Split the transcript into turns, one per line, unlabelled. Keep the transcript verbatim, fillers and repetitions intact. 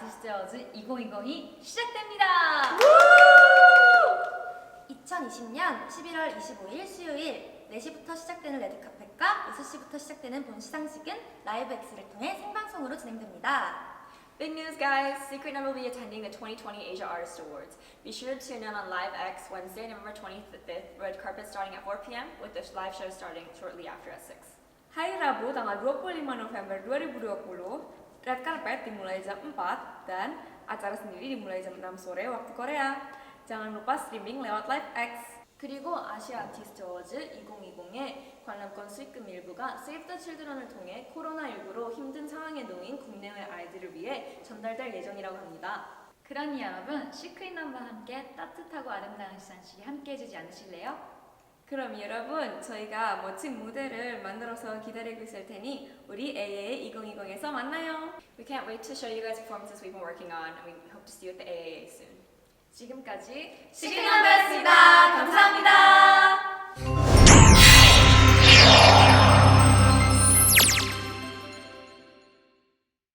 아티스트 어워즈 이천이십이 시작됩니다.
이천이십 년 십일월 이십오일 수요일 네 시부터 시작되는 레드카펫과 여섯 시부터 시작되는 본 시상식은 라이브 X를 통해 생방송으로 진행됩니다.
Big news, guys! Secret Number will be attending the twenty twenty Asia Artist Awards. Be sure to tune in on Live X Wednesday, November twenty-fifth, red carpet starting at four p m with the live show starting shortly after at six.
Hari Rabu tanggal dua puluh lima November dua ribu dua puluh, red carpet dimulai jam empat dan acara sendiri dimulai jam enam sore waktu Korea. Jangan lupa streaming lewat Live X.
그리고 아시아 아티스트 어워즈 이천이십의 관람권 수익금 일부가 Save the Children을 통해 코로나십구로 힘든 상황에 놓인 국내외 아이들을 위해 전달될 예정이라고 합니다.
그러니 여러분, 시크릿 넘버와 함께 따뜻하고 아름다운 시상식에 함께 해주지 않으실래요?
그럼 여러분, 저희가 멋진 무대를 만들어서 기다리고 있을 테니 우리 에이에이 이천이십에서 만나요.
We can't wait to show you guys performances we've been working on, and we hope to see you at the A A A soon.
지금까지
시크릿 넘버였습니다. 감사합니다.